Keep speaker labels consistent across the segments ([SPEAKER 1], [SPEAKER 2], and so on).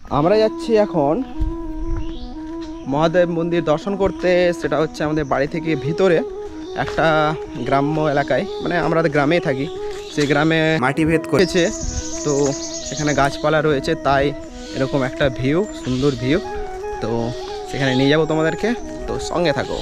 [SPEAKER 1] আমরা যাচ্ছি এখন মহাদেব মন্দির দর্শন করতে। সেটা হচ্ছে আমাদের বাড়ি থেকে ভিতরে একটা গ্রাম্য এলাকায়, মানে আমরা গ্রামেই থাকি, সেই গ্রামে মাটি ভেদ করেছে। তো সেখানে গাছপালা রয়েছে, তাই এরকম একটা ভিউ, সুন্দর ভিউ। তো সেখানে নিয়ে যাবো তোমাদেরকে, তো সঙ্গে থাকো।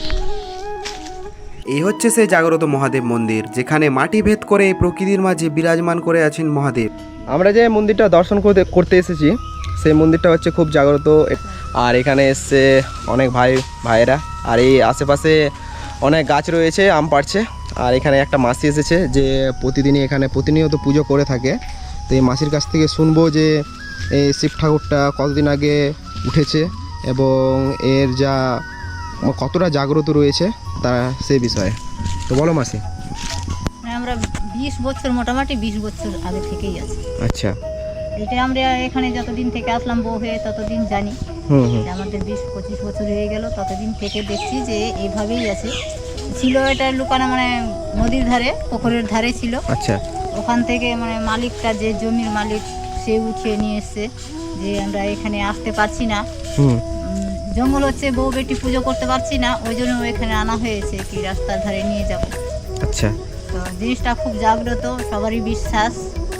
[SPEAKER 2] এই হচ্ছে সেই জাগ্রত মহাদেব মন্দির, যেখানে মাটি ভেদ করে প্রকৃতির মাঝে বিরাজমান করে আছেন মহাদেব।
[SPEAKER 1] আমরা যে মন্দিরটা দর্শন করতে এসেছি, সেই মন্দিরটা হচ্ছে খুব জাগ্রত। আর এখানে এসছে অনেক ভাইয়েরা, আর এই আশেপাশে অনেক গাছ রয়েছে, আম পাড়ছে। আর এখানে একটা মাসি এসেছে যে প্রতিদিনই এখানে প্রতিনিয়ত পুজো করে থাকে। তো এই মাসির কাছ থেকে শুনবো যে এই শিব ঠাকুরটা কতদিন আগে উঠেছে এবং এর যা কতটা জাগ্রত রয়েছে তারা সেই বিষয়ে। তো বলো মাসি।
[SPEAKER 3] আমরা 20 বছর, মোটামুটি 20 বছর আগে থেকেই আছি।
[SPEAKER 1] আচ্ছা।
[SPEAKER 3] এটা আমরা এখানে যতদিন থেকে আসলাম বউ হয়ে ততদিন জানি। আমাদের 20-25 বছর হয়ে গেল, ততদিন থেকে দেখছি যে এইভাবেই আছে। ছিল এটা লুকানো, মানে নদীর ধারে, পুকুরের ধারে ছিল।
[SPEAKER 1] আচ্ছা।
[SPEAKER 3] ওখান থেকে মানে মালিকটা, যে জমির মালিক, সে উঠিয়ে নিয়ে এসছে যে আমরা এখানে আসতে পারছি না, জঙ্গল হচ্ছে, বউ বেটি পুজো করতে পারছি না, ওই জন্য এখানে আনা হয়েছে কি রাস্তার ধারে নিয়ে যাব।
[SPEAKER 1] আচ্ছা।
[SPEAKER 3] তো জিনিসটা খুব জাগ্রত, সবারই বিশ্বাস।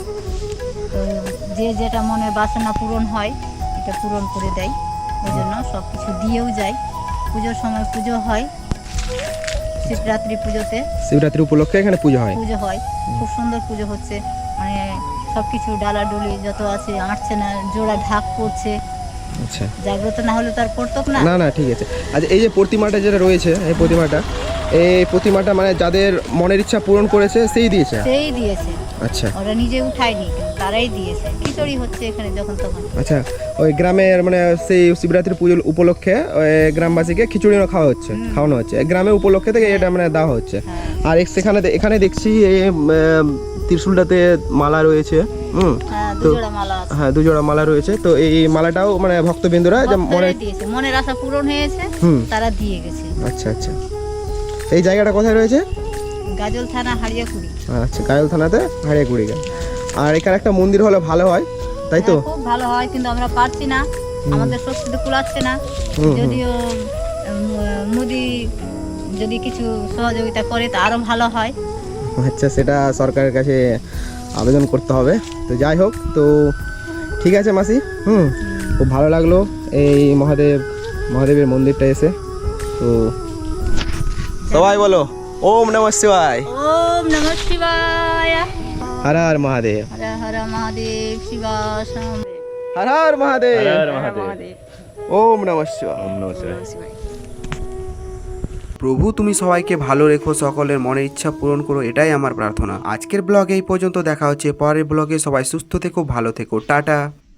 [SPEAKER 3] তো যে যেটা মনে বাসনা পূরণ হয়, এটা পূরণ করে দেয়। ওই জন্য সব কিছু দিয়েও যায়। পুজোর সময় পুজো হয়, শিবরাত্রি পুজোতে,
[SPEAKER 1] শিবরাত্রি উপলক্ষে এখানে পুজো হয়।
[SPEAKER 3] খুব সুন্দর পুজো হচ্ছে। মানে সব কিছু ডালাডুলি যত আছে আঁটছে না, জোড়া ঢাক পড়ছে।
[SPEAKER 1] আচ্ছা।
[SPEAKER 3] জাগ্রত না হলে তার পড়তো না।
[SPEAKER 1] না ঠিক আছে। আচ্ছা, এই যে প্রতিমাটা যেটা রয়েছে, এই প্রতিমাটা মানে যাদের মনের ইচ্ছা পূরণ করেছে সেই দিয়েছে। আচ্ছা।
[SPEAKER 3] ওরা নিজে উঠায়নি, তারাই দিয়েছে। খিচুড়ি হচ্ছে এখানে যখন তখন।
[SPEAKER 1] আচ্ছা, ওই গ্রামের মানে সেই শিবরাত্রি পুজো উপলক্ষে ওই গ্রামবাসীকে খিচুড়ি খাওয়ানো হচ্ছে গ্রামের উপলক্ষে থেকে, এটা মানে দেওয়া হচ্ছে। আর এখানে দেখছি এই ত্রিশূলটাতে মালা রয়েছে। হ্যাঁ, দুজোড়া মালা রয়েছে। তো এই মালাটাও মানে ভক্তবৃন্দরা
[SPEAKER 3] মনের আশা পূরণ হয়েছে, তারা দিয়ে গেছে।
[SPEAKER 1] আচ্ছা। এই জায়গাটা কোথায় রয়েছে?
[SPEAKER 3] গাজল থানা, হারিয়াকুড়ি।
[SPEAKER 1] আচ্ছা, গাজল থানাতে হারিয়াকুড়ি। আর এখানে একটা মন্দির হলে ভালো হয়, তাই তো?
[SPEAKER 3] খুব ভালো হয়, কিন্তু আমরা পারছি না, আমাদের শক্তিতে কুলাচ্ছে না। যদিও মোদি যদি কিছু সহযোগিতা করে তা আরো ভালো হয়।
[SPEAKER 1] আচ্ছা, সেটা সরকারের কাছে আবেদন করতে হবে। তো যাই হোক, তো ঠিক আছে মাসি। খুব ভালো লাগলো এই মহাদেবের মন্দিরটা এসে। তো সবাই বলো ওম নমঃ শিবায়।
[SPEAKER 3] ওম নমঃ শিবায়।
[SPEAKER 1] হর হর মহাদেব।
[SPEAKER 3] হর হর মহাদেব। শিবাশম।
[SPEAKER 1] হর হর মহাদেব। ওম নমঃ শিবায়।
[SPEAKER 2] প্রভু তুমি সবাইকে ভালো রেখো, সকলের মনের ইচ্ছা পূরণ করো, এটাই আমার প্রার্থনা। আজকের ব্লগ এই পর্যন্ত, দেখা হচ্ছে পরের ব্লগে। সবাই সুস্থ থেকো, ভালো থেকো, টাটা।